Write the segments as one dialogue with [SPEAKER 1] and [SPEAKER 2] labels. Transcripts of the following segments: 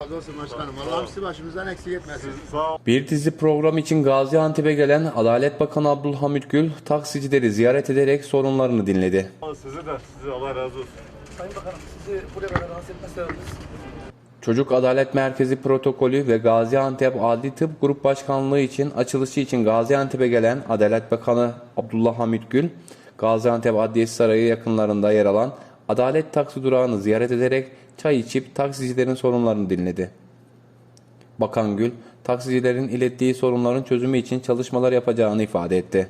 [SPEAKER 1] Razı olsun başkanım. Allah'ım sizi başımızdan eksik etmesin.
[SPEAKER 2] Bir dizi program için Gaziantep'e gelen Adalet Bakanı Abdülhamit Gül, taksicileri ziyaret ederek sorunlarını dinledi.
[SPEAKER 3] Size Allah razı olsun.
[SPEAKER 4] Sayın Bakanım, sizi buraya kadar rahatsız etme sebebimiz.
[SPEAKER 2] Çocuk Adalet Merkezi protokolü ve Gaziantep Adli Tıp Grup Başkanlığı için açılışı için Gaziantep'e gelen Adalet Bakanı Abdülhamit Gül, Gaziantep Adliyesi Sarayı yakınlarında yer alan Adalet Taksi durağını ziyaret ederek çay içip taksicilerin sorunlarını dinledi. Bakan Gül, taksicilerin ilettiği sorunların çözümü için çalışmalar yapacağını ifade etti.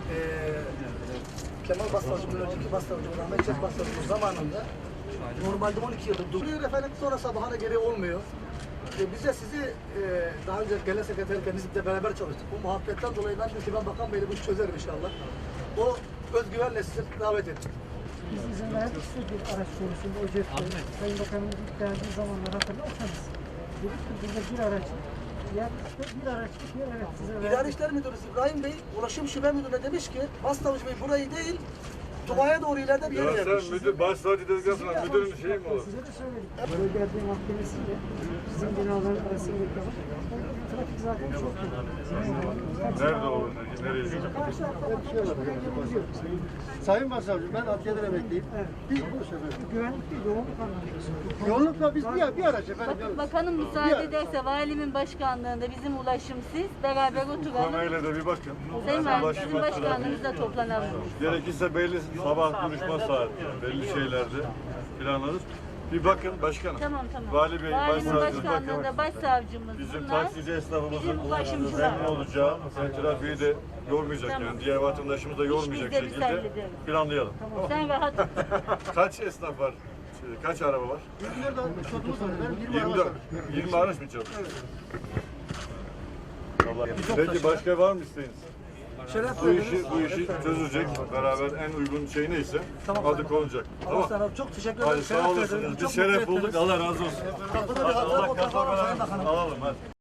[SPEAKER 4] Kemal Bastarcı'nın önceki Bastarcı'nın, Ahmet Çek Bastarcı'nın zamanında normalde 12 yıldır duruyor efendim, sonra sabahına geri olmuyor. Bize sizi daha önce genel sekreterken biz de beraber çalıştık. Bu muhabbetten dolayı ben dedim ki ben Bakan Bey'le bu işi çözerim inşallah. O özgüvenle sizi davet ettim.
[SPEAKER 5] Biz izin verdik size bir araç konusunda o cepte. Sayın Bakanımız ilk geldiği zamanlar hatırlarsanız dedik ki burada bir araç bir araç evet size verdik.
[SPEAKER 4] İdari İşler Müdürü İbrahim Bey, Ulaşım Şube Müdürü'ne demiş ki Bastavcı Bey burayı değil, Tuba'ya doğru ileride bir yer vermiş.
[SPEAKER 3] Sen müdür, başsavcı dedikten müdürün şeyi mi olur?
[SPEAKER 5] Size de söyledik. Bölge Adliye Mahkemesi'yle bizim binaların arasındaki trafik zaten çok yoğun.
[SPEAKER 3] Nerede olur? Nereye?
[SPEAKER 5] Karşı tarafta
[SPEAKER 1] Sayın Başsavcım, ben adliyeden emekliyim. Biz bu sefer
[SPEAKER 5] güvenlik değil, yoğunluk anlamında.
[SPEAKER 1] yoğunlukla biz bir araç efendim.
[SPEAKER 6] Bakanım müsaade ederse valimin başkanlığında bizim ulaşım siz beraber oturalım.
[SPEAKER 3] Konuya da bir bakın.
[SPEAKER 6] Sayın Valim sizin başkanlığınızda toplanalım.
[SPEAKER 3] Gerekirse belli sabah duruşma saati, belli şeylerde planlarız. Bir bakın başkanım.
[SPEAKER 6] Tamam.
[SPEAKER 3] Vali Bey,
[SPEAKER 6] Valimin
[SPEAKER 3] başsavcımız bakın.
[SPEAKER 6] başkanlığında başsavcımız
[SPEAKER 3] Bizim
[SPEAKER 6] bunlar.
[SPEAKER 3] taksici esnafımızın
[SPEAKER 6] Bizim ulaşımcılar.
[SPEAKER 3] memnun olacağı, trafiği de yormayacak yani. Diğer vatandaşımız da yormayacak
[SPEAKER 6] biz de
[SPEAKER 3] şekilde
[SPEAKER 6] hallederiz.
[SPEAKER 3] planlayalım.
[SPEAKER 6] Sen rahat ol.
[SPEAKER 3] Kaç esnaf var? Kaç araba var? 20 araç mı çalışıyor? Peki başka var mı isteğiniz? Bu işi çözecek beraber en uygun şey neyse adı konacak.
[SPEAKER 4] Allah sana çok teşekkür ederim.
[SPEAKER 3] Hadi sağ olasınız. Biz şeref bulduk. Allah razı olsun.
[SPEAKER 4] Kapıda bir hazır
[SPEAKER 3] Allah
[SPEAKER 4] oturtalım Sayın
[SPEAKER 3] kazanmadan
[SPEAKER 4] Bakanım.
[SPEAKER 3] alalım hadi.